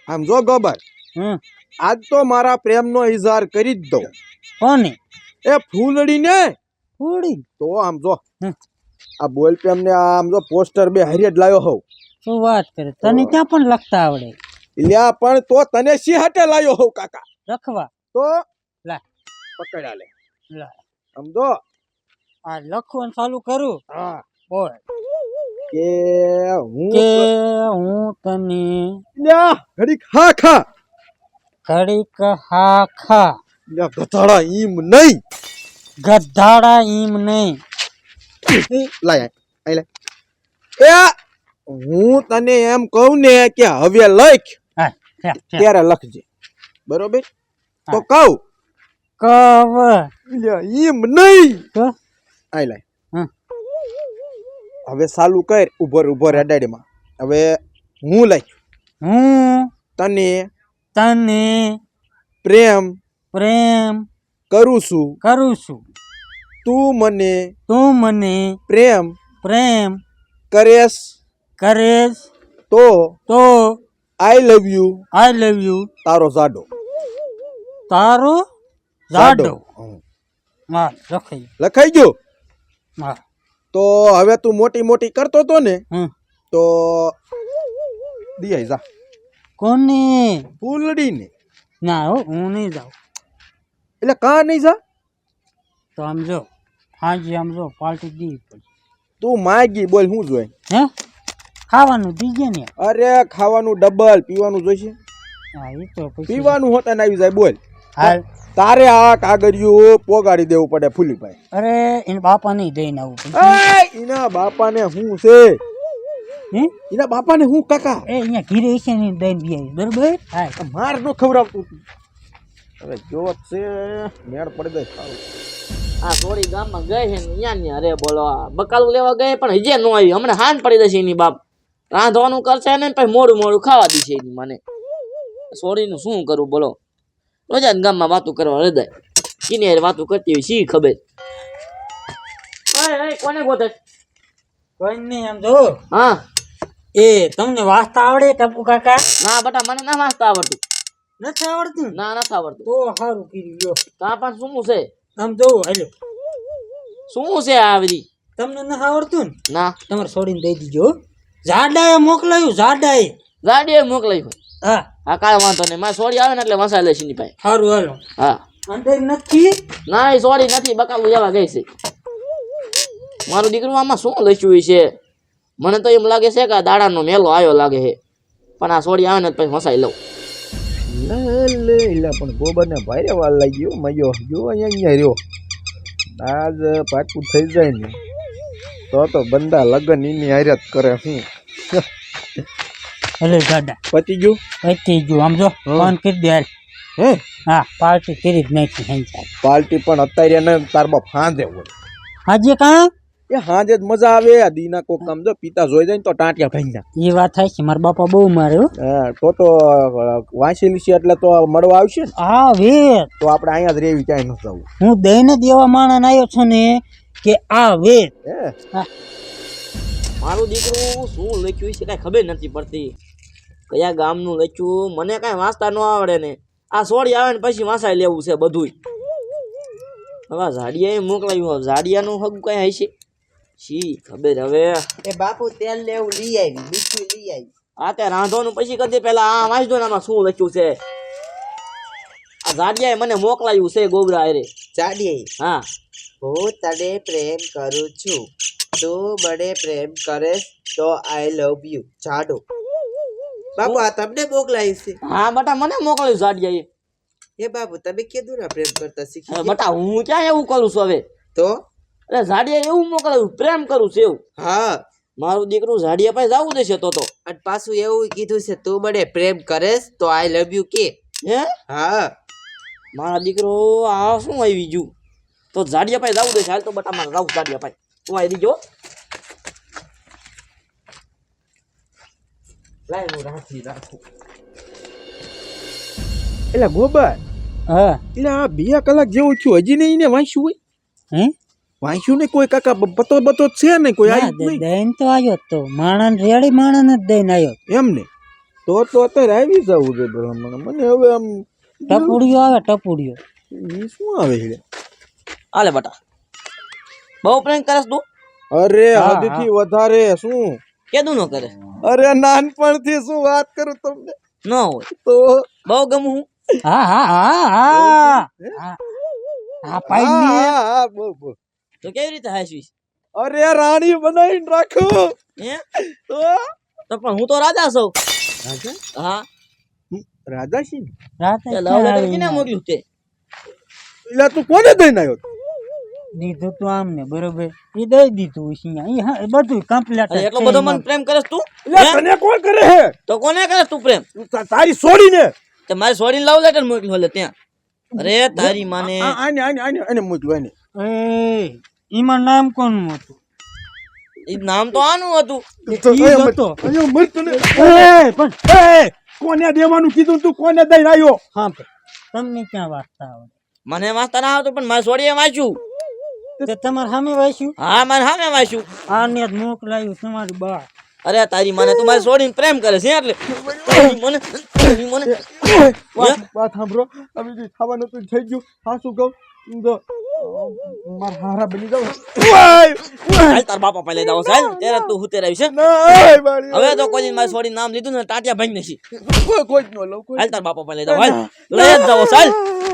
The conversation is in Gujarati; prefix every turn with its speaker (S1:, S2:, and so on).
S1: આમ જો ગોબર,
S2: હમ
S1: આજ તો મારા પ્રેમનો ઇઝહાર કરી જ દઉં.
S2: કોને
S1: એ ફૂલડી ને
S2: ફૂડી
S1: તો આમ જો
S2: હમ.
S1: આ બોલ પેમ ને આમ જો પોસ્ટર બે હારે જ લાવ્યો હોઉં.
S2: શું વાત કરે, તને ક્યાં પણ લખતા આવડે?
S1: લ્યા પણ તો તને સી હાટે લાવ્યો હોઉં કાકા.
S2: લખવા
S1: તો
S2: લા
S1: પકડ્યા લે
S2: લા
S1: આમ જો.
S2: આ લખવાનું ચાલુ કરું.
S1: હા
S2: બોલ
S1: કે હું
S2: કે હું તને
S1: લ્યા ઘડી ખા ખા
S2: ઘડીક હા ખા
S1: લ્યા ગધાડા ઈમ નહીં.
S2: ગધાડા ઈમ નહીં.
S1: લાય આય લે. એ હું તને એમ કહું ને કે હવે લખ
S2: હા
S1: ત્યારે લખજે બરોબર. તો
S2: હા.
S1: કહું
S2: કવ
S1: લ્યા ઈમ નહીં.
S2: તો
S1: આય લે
S2: હમ.
S1: હવે ચાલુ કર ઉભર અડાડીમાં. હવે હું લખ
S2: હું
S1: તને
S2: તને
S1: પ્રેમ
S2: પ્રેમ
S1: કરું છું.
S2: કરું છું.
S1: તું મને
S2: તું મને
S1: પ્રેમ
S2: પ્રેમ
S1: કરેશ
S2: કરેશ
S1: તો
S2: તો
S1: આઈ love you
S2: I love you
S1: તારો જાડો.
S2: તારો જાડો.
S1: હમ.
S2: હા લખાઈ
S1: લખાઈ ગયો.
S2: હા
S1: તો હવે તું મોટી મોટી કરતો તો ને
S2: હમ
S1: તો દિયાઈ જા
S2: કોને
S1: ફૂલડી ને.
S2: ના હો હું નહીં જાઉં.
S1: એટલે કા નહીં જા.
S2: તો આમ જો હાજી આમ જો પાર્ટી દી પડી.
S1: તું માગી બોલ શું જોઈએ.
S2: હે ખાવાનું દીજે ને.
S1: અરે ખાવાનું ડબલ પીવાનું જોઈશે.
S2: હા એ તો પછી
S1: પીવાનું હોતા આવી જાય બોલ.
S2: હાલ
S1: તારે આ કાગળિયું પોગાડી દેવું પડે ફૂલીભાઈ.
S2: અરે એને બાપા નહીં દઈને આવું પડશે.
S1: એના બાપાને હું છે.
S2: હે
S1: એના બાપાને હું કાકા.
S2: એ અહીંયા ઘીરે છે ને દઈને બી બરોબર. હા
S1: માર નો ખવડાવતું. હવે જો છે મેળ પડી જાય ખાવું.
S3: આ સોરી ગામમાં ગઈ છે ને અહીંયા ને અરે બોલો આ બકાલું લેવા ગઈ પણ હજે ન આવી. હમણાં હાન પડી જશે એની બાપ. રાંધવાનું કરશે ને પછી મોડું મોડું ખાવા દીશે એની મને. સોરીનું શું કરું બોલો. રોજા ગામમાં વાતું કરવા હૃદય કિને યાર વાતું કરતી હોય શી ખબર. કોને ગોતે?
S2: કોઈ નહીં આમ જો.
S3: હા
S2: એ તમને વાંચતા આવડે ટપુ કાકા?
S3: ના બટા મને ના વાંચતા આવડતું.
S2: નથી આવડતું?
S3: ના નથી આવડતું.
S2: તો સારું કર્યું લ્યો.
S3: તા પણ શું છે?
S2: આમ જો હાલો.
S3: શું છે આ બધી?
S2: તમને નથી આવડતું ને?
S3: ના
S2: તમારે છોડીને દઈ દીજો. જાડાએ મોકલાયું જાડાએ.
S3: ગાડીએ મોકલાઈ હોય.
S2: હા
S3: હા કાંઈ વાંધો નહીં. મારે સોરી આવે ને એટલે વસાઈ લઈશ એની પાસે.
S2: સારું હાલો.
S3: હા
S2: અંદર નથી.
S3: ના એ સોરી નથી બકાલું જવા ગઈ છે. મારું દીકરું આમાં શું લખ્યું છે? મને તો એમ લાગે છે કે આ દાડાનો મેલો આવ્યો લાગે છે. પણ આ સોરી આવે ને પછી વસાઈ લઉં.
S1: લે એટલે પણ ગોબર ને ભારે વાર લાગી ગયો મયો જો અહીંયા રહ્યો. આજ પાકું થઈ જાય ને તો બંદા લગન એની હાર્યા જ કરે. શું
S2: હલે જાડા
S1: પતી ગયું.
S2: પતી ગયું. આમ જો ફોન કરી દે હાલ.
S1: હે
S2: હા પાર્ટી કરી જ નાખી હંચાર.
S1: પાર્ટી પણ અત્યારે ને તાર બાપ હાંજે હોય.
S2: હાજી કાં
S1: એ હાંજે જ મજા આવે. આ દીના કોક કામ જો પિતા જોઈ જાય ને તો ટાંટિયા ભાઈ
S2: એ વાત થાય છે. મારા બાપા બહુ મારે હો.
S1: હા તો વાંચેલી છે એટલે તો મળવા આવશે ને.
S2: હા વેર
S1: તો આપણે અહીંયા જ રેવી ક્યાંય ન જવું.
S2: હું દઈને દેવા માણસ આવ્યો છું ને કે આ વેર.
S1: હે
S2: હા
S3: મારું દીકરું શું લખ્યું છે કાંઈ ખબર નથી પડતી. કયા ગામનું લખ્યું મને કાંઈ વાંચતા ન આવડે ને. આ સોરી આવે ને પછી વાંસાઈ લેવું છે બધુંય. હવે ઝાડિયાએ મોકલાયું. ઝાડિયાનું હગ કઈ હશે શી ખબર હવે.
S4: એ બાપુ તેલ ને એવું લઈ આવી, મીઠું લઈ આવી.
S3: આ તે રાંધવાનું પછી કરજે. પેલા આ વાંચ દો ને આમાં શું લખ્યું છે. આ ઝાડિયાએ મને મોકલાયું છે ગોબરા અરે.
S4: ચાડીએ
S3: હા
S4: હું તને પ્રેમ કરું છું, તું મને પ્રેમ કરે તો આઈ લવ યુ જાડો. બાપુ આ તમને મોકલાયું છે?
S3: હા બટા મને મોકલાયું ઝાડિયાએ.
S4: એ બાપુ તમે કીધું ને પ્રેમ કરતા શીખી
S3: હવે
S4: ગયા.
S3: બટા હું ક્યાં એવું કરું છું હવે.
S4: તો
S3: એટલે ઝાડિયાએ એવું મોકલાયું પ્રેમ કરું છું એવું.
S4: હા
S3: મારું દીકરું ઝાડિયા પાસે જવું દેશે તો.
S4: અને પાછું એવું કીધું છે તું મને પ્રેમ કરેશ તો આઈ લવ યુ કે.
S3: હે
S4: હા
S3: મારા દીકરો આ શું આવી ગયું. તો ઝાડિયા પાસે જવું દેશે. હાલ તો બટા મારે જાવું ઝાડિયા પાસે. તું આવી દીજો. લાય હું રાખું.
S1: એટલે ગોબર
S2: હા
S1: એટલે આ 2 કલાક જેવું થયું હજી નહીં ને વાંચ્યું હોય.
S2: હે
S1: વાંચ્યું ને કોઈ કાકા બતો છે ને કોઈ
S2: ના
S1: આવ્યું નહીં
S2: દઈને તો આવ્યો તો માણસ રેડી માણસ જ દઈને આવ્યો.
S1: એમ ને તો અત્યારે આવી જવું છે ભલામણ મને હવે આમ
S2: ટપુડીઓ આવે ટપુડીઓ.
S1: ઈ શું આવે છે
S3: હાલે બટા બહુ પ્રેમ કરસ તું
S1: અરે
S2: હા,
S1: હદથી વધારે શું
S3: કેદું ન કરે
S1: અરે નાનપણથી શું વાત કરું તમને
S3: ન હોય
S1: તો
S3: બહુ ગમું હું
S2: હા હા હા હા હા હા પાઈ
S1: હા બહુ બહુ
S3: તો કેવી રીતે હાસવીશ
S1: અરે રાણી બનાવીને રાખો
S3: હે
S1: તો
S3: તો પણ હું તો રાજા છું
S1: રાજા
S3: હા
S1: રાજા છે ને
S2: રાતે
S3: તે લવ લેટર કેને મોકલ્યું તે
S1: એટલે તું કોને દઈને આવ્યો
S2: દીધું તું આમ ને બરોબર એ દઈ દીધું અહીંયા ઈ હા બધું કમ્પ્લીટ
S3: અરે એટલો બધો મને પ્રેમ કરસ તું
S1: એટલે
S3: હે?
S1: તને કોણ કરે હે
S3: તો કોને કરસ તું પ્રેમ
S1: તારી છોડીને
S3: તે મારે છોડીને લવ લેટર મોકલ્યું હલે ત્યાં અરે તારી માને
S1: આને આને આને આને મોકલું આને
S2: એ ઈમાં નામ કોનું હતું?
S3: ઈ નામ તો આનું હતું
S2: ઈ હતો.
S1: અહીંયા મર તને
S2: એ પણ
S1: કોને દેવાનું કીધું તું કોને દઈને આવ્યો
S2: હા તમને ક્યાં વાંચતા આવડે?
S3: મને વાંચતા ના આવતું પણ મારે છોડીએ વાંચ્યું
S2: તે તમારે સામે વાંચ્યું?
S3: હા મારે સામે વાંચ્યું
S2: આને જ મોકલાયું તમારી બા.
S3: અરે તારી માને તું મારે છોડીને પ્રેમ કરે છે એટલે તારી મને
S1: વાત સાંભળો હવે જે ખાવાનું તું થઈ ગયું હા શું કહું તો મારા હારા બની જાવ
S3: હાલ તાર બાપા પહેલા દાવો સાહેબ ત્યારે તું હું તેરાવી છે હવે તો કોઈ મારે છોડીને નામ લીધું ને ટાટિયા ભાઈ નથી
S1: કોઈ જ ન લઉં કોઈ
S3: હાલ તાર બાપા પહેલા દાવો હાલ લઈ જ જાવો સાહેબ